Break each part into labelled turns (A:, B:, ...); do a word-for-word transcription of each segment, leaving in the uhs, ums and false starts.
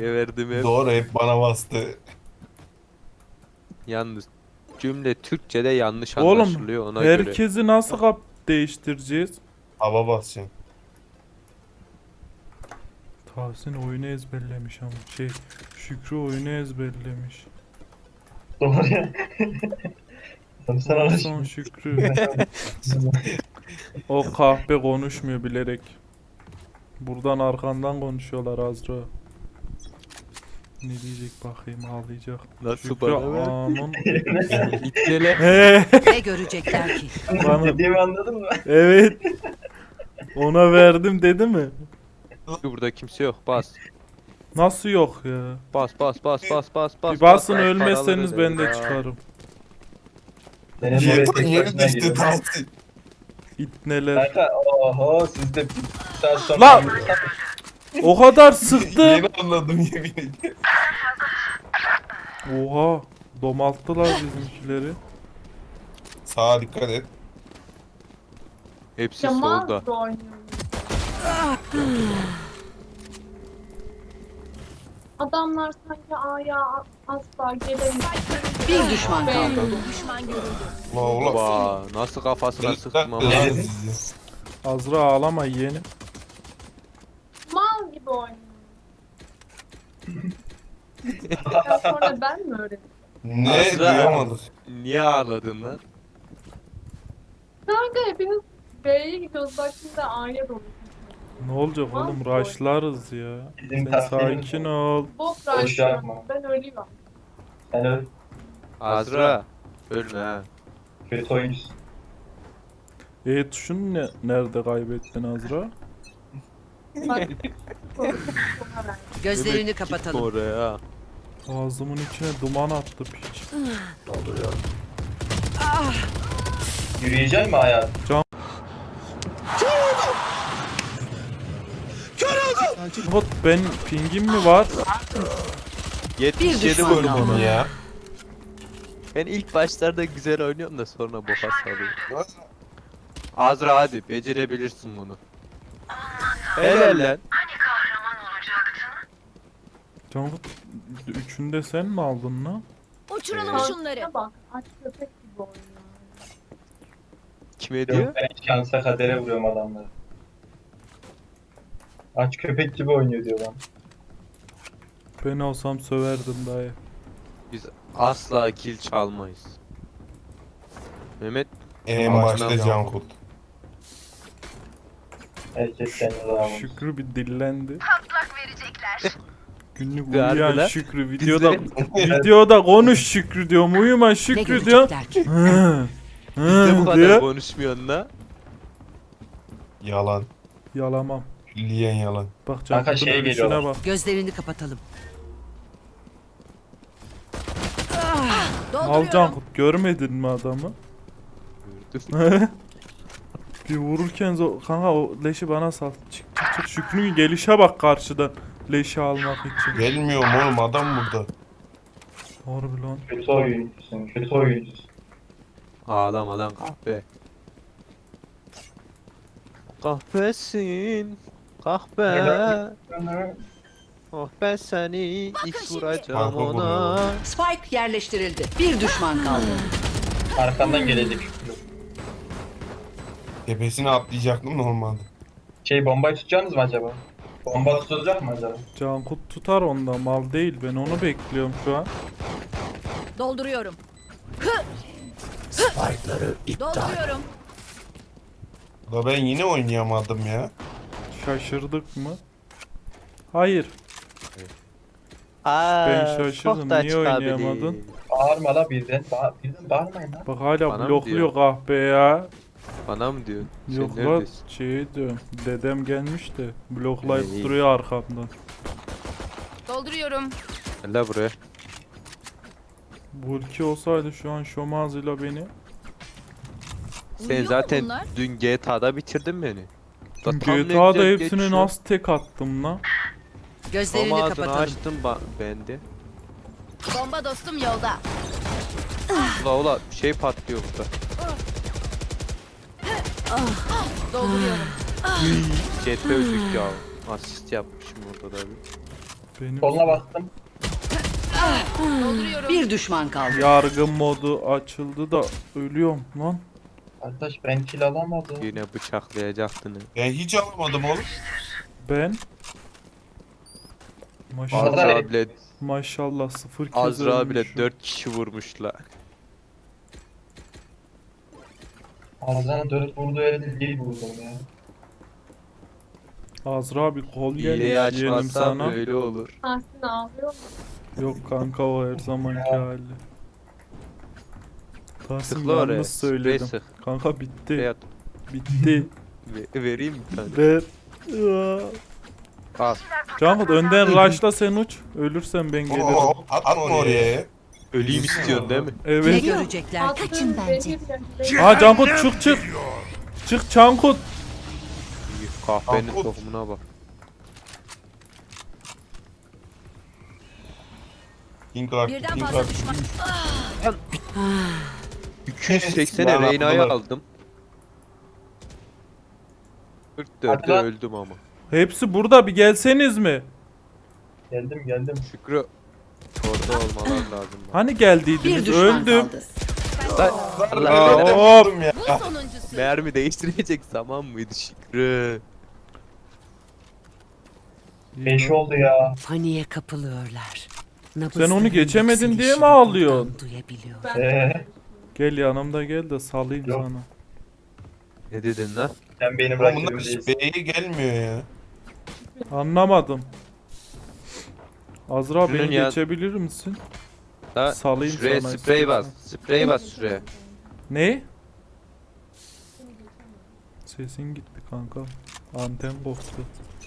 A: Kime verdim hep.
B: Doğru, hep bana bastı.
A: Yalnız cümle Türkçe'de yanlış
C: Oğlum
A: anlaşılıyor ona göre.
C: herkesi nasıl kap değiştireceğiz?
B: Hava basacaksın.
C: Tahsin oyunu ezberlemiş ama şey Şükrü oyunu ezberlemiş.
D: Doğru ya. Tabii sen
C: Son
D: alışın.
C: Şükrü. O kahpe konuşmuyor bilerek. Buradan arkandan konuşuyorlar Azra. Ne diyecek bakayım, ağlayacak.
A: Nasıl
C: Şükrü
A: bana ver?
C: aman.
A: İtlele.
C: He,
E: Ne görecekler ki?
C: Bana-
D: Dediğimi anladın mı?
C: evet. Ona verdim dedi mi?
A: Burada kimse yok bas.
C: Nasıl yok ya?
A: Bas bas bas bas bas bas.
C: Bir basın
A: bas,
C: ölmezseniz
A: paraları
C: ben de
A: ver.
C: çıkarım.
D: Benim
B: Niye
D: böyle
B: niye
D: tek başına
B: düştü
D: geliyor.
B: Tahsin?
C: İtneler.
D: Kanka oho siz de bir saat sonra...
C: Lan! O kadar sıktım.
B: Yeni anladım yemin ederim.
C: Oha. Domalttılar bizimkileri.
B: Sağa dikkat et.
A: Hepsi
F: Kemal
A: solda.
F: da oynuyor. Adamlar sanki A'ya asla gelemiyor.
E: Bir düşman kaldı.
B: La oğlum.
A: Vaa nasıl kafasına sıktım ama.
B: Lan.
C: Azra ağlama yeğenim.
F: Mal gibi oynuyor. Ya sonra ben mi öğrendim?
B: Ne
A: Azra.
B: duyamadık.
A: Niye ağladın lan?
F: Kanka hepiniz B'ye gidiyoruz. Bak şimdi A'ya doğru.
C: Ne olacak oğlum, raşlarız ya.
D: Bizim
C: Sen
D: taktiğimiz
C: sakin
D: bu.
C: ol.
F: Bok
D: Boş yapma.
F: raşlıyorum. Ben ölüyorum.
D: Sen öyle
A: Azra. Ölme ha.
D: kötü oyuncusun.
C: E tuşunu ne, nerede kaybettin Azra?
F: Bak. Sonra ver.
E: Gözlerini
A: Mehmet, gitme
E: kapatalım.
A: oraya.
C: Ağzımın içine duman attı piç.
D: Yürüyecek mi hayat?
C: Hot ben pingim mi var?
A: yetmiş yedi
E: düşman
A: vurdum.
E: kaldı.
B: Ya.
A: Ben ilk başlarda güzel oynuyorum da sonra boka sarıyorum. Azra hadi becerebilirsin bunu. Helal lan.
C: Cangut üçünde sen mi aldın lan?
G: Uçuralım
A: Evet.
G: şunları.
F: Bak aç köpek gibi oynuyor.
A: Kime diyor?
D: Yok ben şansa kadere vuruyorum adamları. Aç köpek gibi oynuyor diyor bana.
C: Ben olsam söverdim dayı.
A: Biz asla kill çalmayız. Mehmet
B: En
A: Ağzına
B: başta
A: bir
B: Cankut.
D: Herkes kendine daha vurmuş.
C: Şükrü bir dillendi. Günlük
A: Verdi
C: uyuyan
A: lan.
C: Şükrü videoda
A: Bizde-
C: videoda konuş Şükrü diyorum, uyuma
E: Ne
C: Şükrü diyor.
E: görecekler ki?
C: Hı,
A: bizde bu
C: hı
A: kadar
C: diyor.
A: konuşmuyorsun la.
B: Yalan.
C: Yalamam.
B: Külliyen yalan.
C: Bak
D: Kanka
C: Cankut'un
D: şeye
C: ölüşüne
D: geliyorlar.
C: bak.
E: Gözlerini kapatalım.
C: Al
G: Dolduruyorum.
C: Cankut, görmedin mi adamı?
A: Gördüm.
C: Bir vururken zo- kanka o leşi bana sal. Çık çık çık, Şükrü'nün gelişe bak karşıdan leşi almak için.
B: Gelmiyorum oğlum, adam burada.
C: Harbi lan.
D: Kötü oyuncusun, kötü oyuncusun.
A: Ağlama lan kahpe. Kahpesin. Kahpe. Oh ben seni ilk vuracağım
B: Kahpe
A: ona.
B: vuruyor.
E: Spike yerleştirildi. Bir düşman kaldı.
D: Arkandan gelecek.
B: Tepesine atlayacaktım normalde.
D: Şey bombayı tutacaksınız mı acaba? Bomba tutulacak mı acaba?
C: Cankut tutar onda, mal değil, ben onu bekliyorum şu an.
G: Dolduruyorum. Dolduruyorum.
B: Da ben yine oynayamadım ya.
C: Şaşırdık mı? Hayır.
A: Aa,
C: Ben şaşırdım,
A: çok da
C: niye
A: çıkabilir.
C: oynayamadın?
D: Bağırma la birden. Ba birden bağırmayın lan.
C: Bak hala
A: Bana mı
C: blokluyor
A: diyor?
C: kahpe ya.
A: Bana mı diyorsun?
C: Yok
A: Sen
C: lan
A: neredesin?
C: şey diyorum. Dedem gelmiş de bloklayıp
A: İyi.
C: duruyor arkamdan.
G: Dolduruyorum.
A: Gel la buraya.
C: Bu ülke olsaydı şu an şomazıyla beni.
A: Sen
G: Uyuyor mu
A: zaten
G: bunlar?
A: dün G T A'da bitirdin beni. Da tam ne
C: G T A'da
A: güzel
C: hepsini
A: geçiyor.
C: nasıl tek attım lan?
E: Gözlerini
A: Ama ağzını
E: kapatalım.
A: açtım ba- ben de.
G: Bomba dostum yolda.
A: Ula ula şey patlıyor burada.
G: Dolduruyorum.
A: C T öldük ya. Asist yapmışım orada da bir.
C: Benim
D: Soluna bastım.
G: Dolduruyorum.
E: Bir düşman kaldı.
C: yargı modu açıldı da ölüyorum lan.
D: Arkadaş ben kill alamadım.
A: Yine bıçaklayacaktın.
B: Ben hiç almadım oğlum.
C: Ben maşallah,
D: Azra-
A: Azra bile,
C: maşallah sıfır kez
A: Azra bile
C: ölmüşüm.
A: dört kişi vurmuşlar.
D: Ağzına dönüp vurduğu yerde değil vurdum ya.
C: Azra bir kol
A: İyiyi
C: gelmiş yeğenim
A: açmazsan
C: sana.
A: öyle olur.
F: Tahsin ağlıyor mu?
C: Yok kanka o her zamanki hali. Tahsin
A: Tıkla oraya.
C: yalnız
A: Sprey
C: söyledim.
A: sık.
C: Kanka bitti.
A: Beyat.
C: Bitti.
A: Ve- vereyim bir tane.
C: Ver. Aa.
A: Al.
C: Cankut önden rush'la sen uç. Ölürsen ben gelirim.
B: Oo, atma oraya ya.
A: Öleyim istiyorsun değil mi?
E: Ne
C: Evet.
E: görecekler ki?
F: Kaçın bence.
C: Ha Cankut çık çık. Çık Cankut.
A: İyi, kahvenin
B: Al, al.
A: tohumuna bak.
B: King Clark,
G: Birden
B: King
G: fazla
B: Clark.
G: düşman.
A: iki yüz seksene
B: Ben
A: Reyna'yı
B: atmadım.
A: aldım. kırk dörtte
D: Hadi lan.
A: öldüm ama.
C: Hepsi burada bir gelseniz mi?
D: Geldim geldim.
A: Şükrü orada olmalar lazım.
C: Hani
E: Bir
C: geldiydiniz
E: düşman
C: öldüm.
E: kaldı.
A: Allah
C: Aa,
A: Allah.
C: hop.
B: Oğlum ya.
G: Bu sonuncusu.
A: Mermi değiştirecek zaman mıydı Şükrü?
D: Beş oldu ya.
E: Paniğe kapılıyorlar.
C: Sen onu geçemedin diye mi ağlıyorsun?
E: Duyabiliyor.
D: Eee
C: Gel yanımda gel de salayım
D: Yok.
C: sana.
A: Ne dedin lan?
D: sen benim
B: Oğlum
D: rakibim
B: bunlar
D: değilsin.
B: B'ye gelmiyor ya.
C: Anlamadım. Azra
A: Şunun
C: beni
A: ya-
C: geçebilir misin?
A: Ha,
C: Salayım
A: şuraya
C: sana
A: sprey
C: istiyorsan.
A: bas. Sprey bas şuraya.
C: Ne? Sesin gitti kanka. Anten koptu.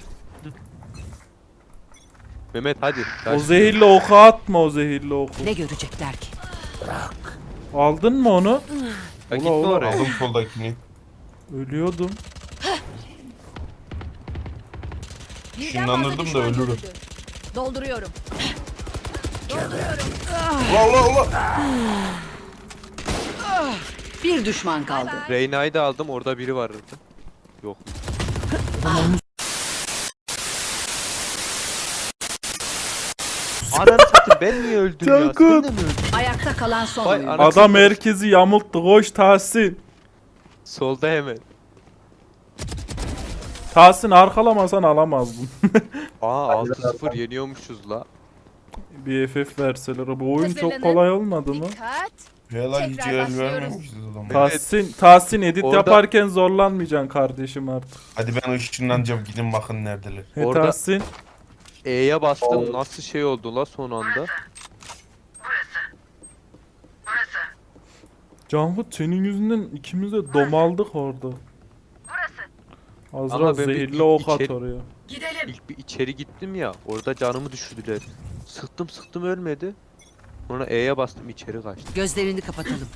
A: Mehmet hadi.
C: O
A: Taş.
C: zehirli oku atma o zehirli oku.
E: Ne görecekler ki?
C: Aldın mı onu?
A: Ha, gitme
C: Ola, ola.
A: oraya.
B: Aldım soldakini.
C: Ölüyordum.
G: Birden
B: Işınlanırdım
G: fazla
B: da
G: düşman
B: ölürüm.
G: görüldü. Dolduruyorum. Dolduruyorum.
B: Ula ula ula.
E: Bir düşman kaldı.
A: Reyna'yı da aldım orada biri vardı. Yok. Ananı satayım ben niye öldüm ya?
C: Cankut.
A: Sen de mi öldün?
E: Ayakta kalan son
A: Vay
E: oyuncu.
A: ana-
C: Adam herkesi yamulttu. Koş Tahsin.
A: Solda hemen.
C: Tahsin arkalamasan alamazdın.
A: Aa altı sıfır yeniyormuşuz la.
C: Bir F F verseler. Bu oyun çok
G: Hazırlanın.
C: kolay olmadı mı?
G: Dikkat.
B: Hela hiç
G: Tekrar
B: el
G: başlıyoruz.
B: vermemişiz o zaman.
C: Tahsin, Tahsin edit
A: Orada-
C: yaparken zorlanmayacaksın kardeşim artık.
B: Hadi ben ışınlanacağım gidin bakın neredeler.
C: He
A: Orada-
C: Tahsin.
A: E'ye bastım nasıl şey oldu la son anda.
C: Canhut senin yüzünden ikimiz de domaldık orada. Azra
A: Ama ben bir
C: zehirli
A: ilk
C: ok at
A: içeri-
C: oraya.
A: İlk bir içeri gittim ya orada canımı düşürdüler. Sıktım sıktım ölmedi. Sonra E'ye bastım içeri kaçtı.
E: Gözlerini kapatalım.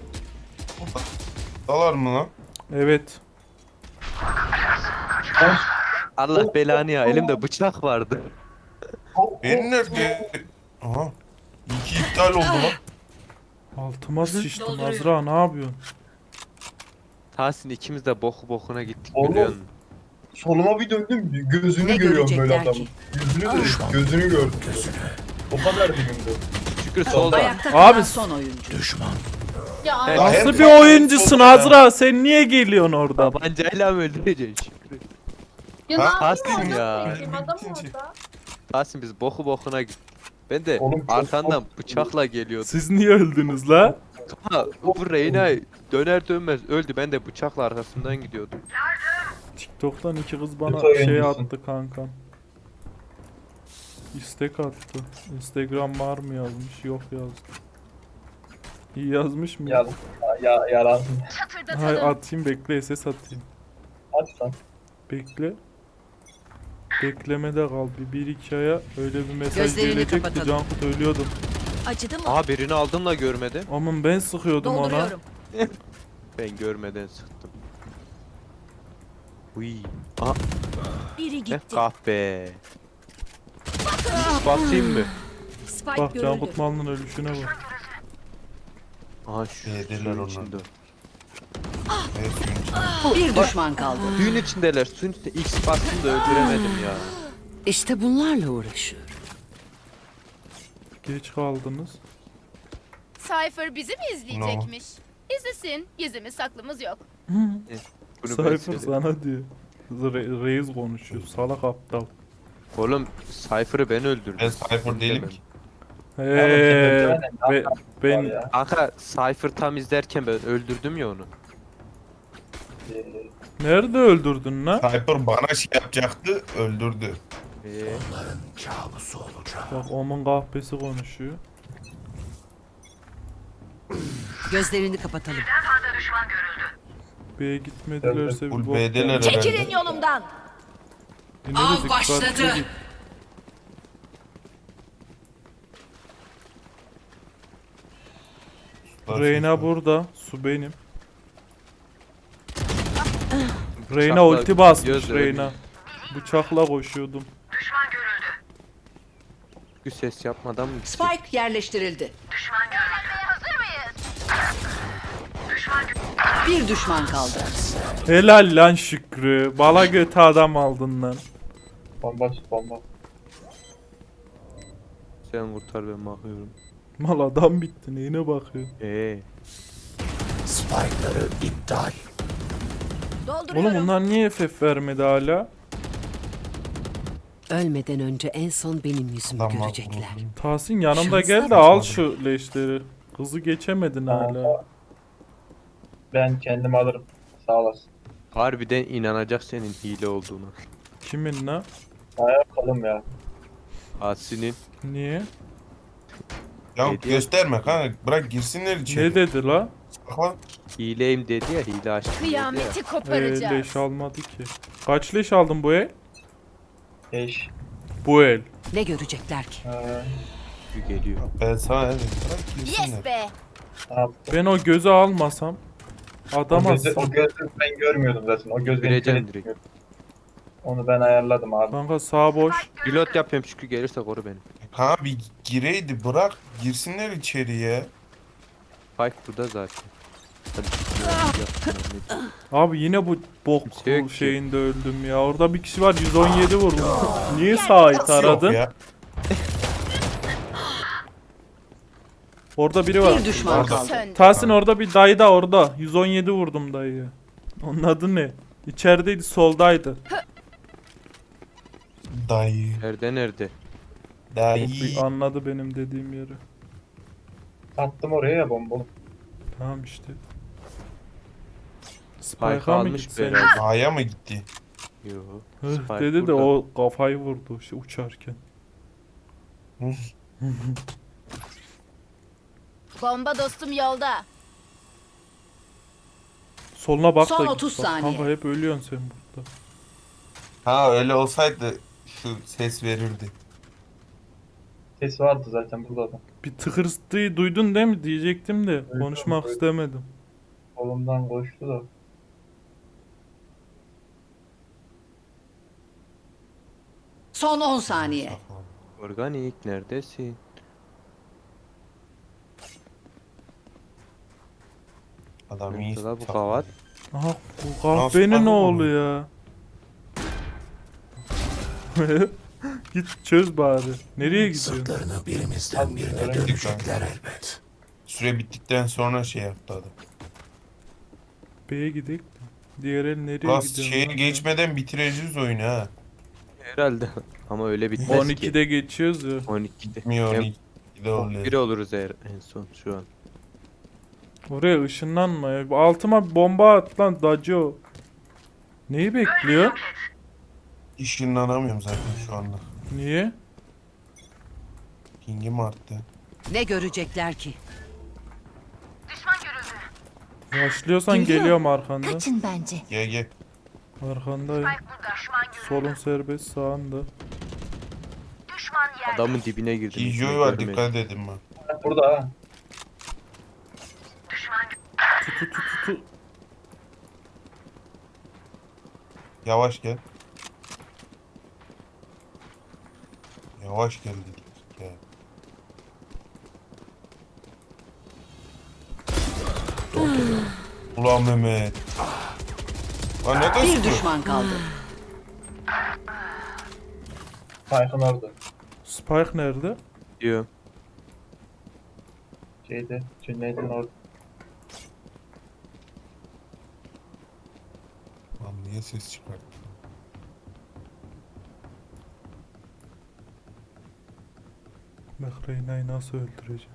B: Dalar mı lan?
C: Evet.
A: Allah belanı ya elimde bıçak vardı.
B: Benim nerede? Aha. İki iptal oldu lan.
C: Altıma sıçtım Azra ne yapıyorsun?
A: Tahsin ikimiz de boku bokuna gittik
D: Oğlum.
A: biliyor musun?
D: Soluma bir döndüm gözünü
E: Ne
D: görüyorum böyle
E: görecekler
D: adamın.
E: ki?
D: Yüzünü de gözünü gördüm. O kadar dibimde.
A: Şükür solda.
E: Ayakta kalan
C: Abi-
E: son oyuncu.
F: Ya
A: Evet.
F: ay-
C: Nasıl bir oyuncusun Azra? Sen niye geliyorsun oradan?
A: Tabancayla mı öldüreceksin Şükrü?
F: ya ne
B: Ha,
F: yapayım
A: Tahsin
F: orada?
A: ya.
F: Bekleyeyim, Adam
B: Bitince.
F: orada.
A: Tahsin biz boku bokuna gittik. Ben de
D: Oğlum çok
A: arkandan
D: korktum.
A: bıçakla geliyordum.
C: Siz niye öldünüz la?
A: Ha, bu Reyna döner dönmez öldü. Ben de bıçakla arkasından gidiyordum.
C: TikTok'tan iki kız bana
D: Kötü
C: şey
D: oyuncusun.
C: attı kankam. İstek attı. Instagram var mı yazmış? Yok yazdı. İyi yazmış mı?
D: Ya, ya, yalan.
C: Hay
G: Çatırdatalım.
C: atayım bekle S S atayım.
D: Hadi sen.
C: Bekle. Beklemede kal. Bir, bir iki aya öyle bir mesaj
E: Gözlerini
C: gelecekti.
E: kapatalım.
C: Cankut ölüyordum.
G: Acıdı mı?
A: Aha birini aldım da görmedim.
C: Aman ben sıkıyordum ona.
G: Dolduruyorum.
A: Ben görmeden sıktım. Uy. Aha
G: Biri
A: eh,
G: gitti.
A: kahpe. Hiç basayım mı?
G: Spike
C: Bak
G: görüldü.
C: Cankut malının ölüşüne bak.
A: Aha şu
B: Yediler
A: suyun
B: onlar.
A: içinde.
B: Evet, suyun içinde.
E: Bir düşman kaldı.
A: Suyun içindeler. Suyun içinde X bastım da öldüremedim ya.
E: İşte bunlarla uğraşıyorum.
C: Geç kaldınız.
G: Cypher bizi mi izleyecekmiş? İzlesin. Gizlimiz saklımız yok.
A: Bunu ben
C: Cypher
A: söyledim.
C: sana diyor. Re- reis konuşuyor. Salak aptal.
A: Oğlum Cypher'ı ben öldürdüm.
B: Ben Cypher değilim ki.
C: Eee be- ben
D: Ya.
A: Kanka Cypher tam izlerken ben öldürdüm ya onu.
D: Ee,
C: nerede öldürdün lan?
B: Cypher bana şey yapacaktı, öldürdü.
A: Ee,
C: Bak Omun kahpesi konuşuyor.
E: Gözlerini kapatalım.
C: B'ye gitmedilerse bir
B: Full
C: bok
B: B'deler
C: yani.
G: Çekilin
B: herhalde.
G: yolumdan.
C: Yine de
E: Av
C: dikkatli
E: başladı.
C: git. Reyna burada. Su benim. Reyna
A: Bıçakla
C: ulti basmış
A: göz
C: Reyna. Bıçakla koşuyordum.
A: bir ses yapmadan mı gitsin?
E: Spike yerleştirildi. Bir düşman kaldı.
C: Helal lan Şükrü. Bala götü adam aldın lan.
D: Bomba tut bomba.
A: Sen kurtar ben bakıyorum.
C: Mal adam bitti. Neyine bakıyorsun?
A: Ee,
G: Dolduruyorum.
C: Oğlum bunlar niye F F vermedi hala?
E: Ölmeden önce en son benim yüzümü
B: Adam var
E: görecekler.
B: bunun.
C: Tahsin yanımda
E: Şanslar
C: gel de al şu leşleri. Kızı geçemedin hala.
D: Ben kendim alırım. Sağ olasın.
A: harbiden inanacak senin hile olduğunu.
C: Kimin lan?
D: Ayağa kalım ya.
A: Asi'nin
C: Niye?
B: Ya
A: Hediye-
B: gösterme kanka, bırak girsinler içeri.
C: Ne dedi la?
B: Bak lan,
A: hileyim dedi ya, hile açtı dedi ya.
G: Kıyameti
C: Ee,
G: koparacağız.
C: leş almadı ki. Kaç leş aldın bu el?
D: Eş.
C: Bu el.
E: Ne görecekler ki?
D: Ee,
A: Bir geliyor.
B: ben sana dedim, bırak girsinler.
G: Yes be.
D: ne yaptım?
C: Ben o gözü almasam
D: O,
C: adama
D: gözü, o gözü ben görmüyordum zaten. O göz beni
A: Vereceğim
D: kör
A: direkt.
D: etmiyor. Onu ben ayarladım abi.
C: kanka sağ boş.
A: Pilot yapıyorum çünkü gelirse koru beni.
B: Ha bir gireydi, bırak girsinler içeriye.
A: Spike burada zaten. Hadi. yapsınlar, ne-
C: Abi yine bu bok
A: Kimse yok ki.
C: şeyinde öldüm ya. Orada bir kişi var yüz on yedi vurmuş. Niye sağ it
B: Yok
C: aradın?
B: ya.
C: Orada biri var.
E: Bir düşman
B: Orada.
E: kaldı.
G: Söndü.
C: Tahsin orada bir dayı da orada. yüz on yedi vurdum dayıya. Onun adı ne? İçerideydi, soldaydı.
B: Dayı.
A: Nerede nerede?
B: Dayı.
C: Bir anladı benim dediğim yeri.
D: Attım oraya ya bombalı.
C: Tamam işte.
A: Spike
C: Spike'a mı
A: almış
C: gitsen?
A: herhalde.
B: A'ya mı gitti?
A: Yo.
C: Hıh
A: Spike
C: dedi de
A: burada.
C: o kafayı vurdu şey, uçarken.
G: Bomba dostum yolda.
C: Soluna bak
E: Son
C: da
E: otuz
C: git bak.
E: saniye.
C: Kanka hep ölüyorsun sen burada.
B: Ha öyle olsaydı şu ses verirdi.
D: Ses vardı zaten burada da.
C: Bir tıkırtıyı duydun değil mi diyecektim de konuşmak
D: duydum.
C: istemedim.
D: Kolumdan koştu da.
E: Son on saniye.
A: Organik neredesin?
B: Adam iyi.
A: Nerede la bu kavat?
C: Aha bu
B: Nasıl
C: kahvenin
B: bakın
C: oğlu
B: bunu?
C: ya. Git çöz bari. Nereye gidiyorsun?
B: elbet. Süre bittikten sonra şey yaptı adam.
C: B'ye gidelim. Diğer el nereye
B: Ulan
C: gidiyorsun?
B: şeye
C: lan sen?
B: geçmeden bitireceğiz oyunu ha.
A: Herhalde. Ama öyle bitmez
C: on
A: ki.
C: ikide geçiyoruz ya.
A: on ikide.
B: Bitmiyor
A: Hem
B: on ikide oluyor.
A: biri oluruz eğer en son şu an.
C: Oraya ışınlanma ya. Altıma bir bomba at lan Dacio. Neyi bekliyor?
B: İşinlanamıyorum zaten şu anda.
C: Niye?
B: Pingim arttı.
E: Ne görecekler ki?
C: Başlıyorsan
G: Geliyor.
C: geliyorum arkanda.
G: Kaçın bence.
B: Gel gel.
C: Arkandayım. Solun serbest sağında.
A: Adamın dibine girdim.
B: Kijoy var, dikkat edin bak.
D: Burada ha.
C: Tutu tutu tutu.
B: Yavaş gel. Yavaş gel dedik. Gel. Ulan Mehmet. Lan ne
E: Bir
B: diyorsun?
E: düşman kaldı.
D: Tayfun orada.
C: Spike nerede?
A: Diyorum.
D: Şeyde, Cüneyt'in orada.
B: Lan niye ses çıkarttı?
C: Bak Reyna'yı nasıl öldüreceğim.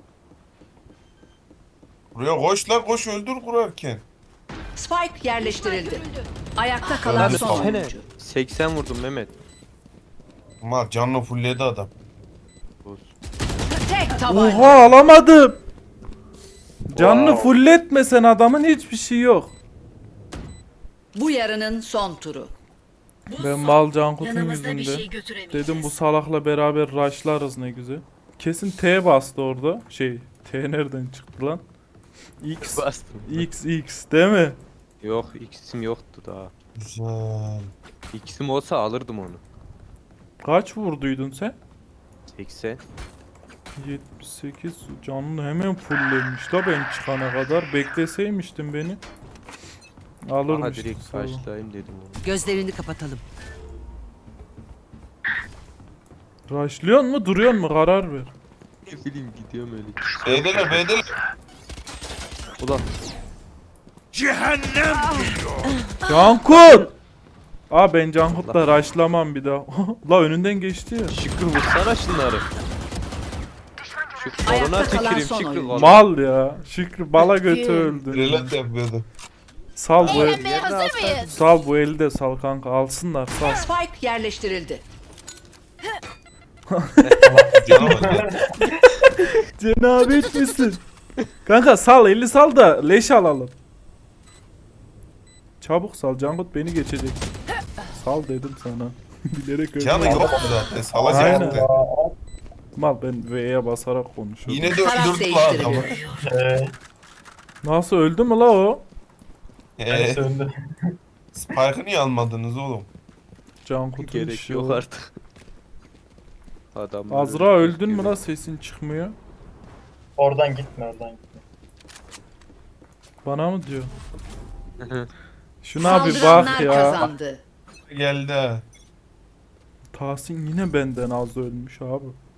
B: Buraya koş lan koş öldür kurarken.
E: Spike yerleştirildi. Ayakta kalan
B: Öldü
E: son
B: tamam.
E: oyuncu.
A: seksen vurdum Mehmet.
B: Ama canlı fullledi adam.
A: Olsun.
E: Tek tabanca.
C: Oha alamadım. Canını
D: Wow.
C: fulletmesen adamın hiçbir şey yok.
E: Bu yarının son turu.
C: Ben mal Cankut'un
E: Yanımızda bir
C: yüzünde.
E: şey götüremeyeceğiz.
C: Dedim bu salakla beraber rushlarız ne güzel. Kesin T bastı orada. Şey T nereden çıktı lan? X.
A: Bastım.
C: X X değil mi?
A: Yok X'im yoktu daha.
B: Güzel.
A: X'im olsa alırdım onu.
C: Kaç vurduydun sen?
A: seksen.
C: yetmiş sekiz canını hemen fulllemiş da ben çıkana kadar bekleseymiştin beni.
A: Aha
C: Alırmıştım
A: direkt
C: sonra.
A: başlayayım dedim onu.
E: Gözlerini kapatalım.
C: Rushlıyor mu duruyor mu karar ver.
A: Ne bileyim gidiyorum öyle.
B: B'deler B'deler.
A: Ulan
C: Cankut! Aa ben Cankut'la rushlamam bir daha. La önünden geçti ya.
A: Şükrü vursana şunları. Şu
E: Ayakta
A: koluna
E: kalan
A: tüküreyim
E: son
A: Şükrü
E: oyuncu.
A: koluna.
C: Mal ya. Şükrü bala götü öldü.
B: Relat yapıyordu.
C: Sal bu el.
G: Eğlenmeye hazır mıyız?
C: Sal bu eli de sal kanka alsınlar sal.
E: Spike yerleştirildi.
B: Canavar.
C: Cenabet misin? Kanka sal eli sal da leş alalım. Çabuk sal Cankut beni geçecek. Sal dedim sana. Bilerek öyle.
B: Canı yok zaten
C: Aynen.
B: salacaktı.
C: Mal ben V'ye basarak konuşuyorum.
B: Yine de
E: Taraf
B: öldürdü la adamı.
E: değiştiriliyor.
D: Eee,
C: Nasıl öldü mü la o?
B: Eee
D: ben söndü.
B: Spike'ı niye almadınız oğlum?
C: Cankut'un
A: Gerek
C: işi
A: yok
C: o.
A: artık. Adam
C: Azra öldün mü la sesin çıkmıyor.
D: Oradan gitme, oradan gitme.
C: Bana mı diyor? Şuna bir bak
E: Saldıranlar
C: ya.
E: kazandı.
B: Geldi ha.
C: Tahsin yine benden az ölmüş abi.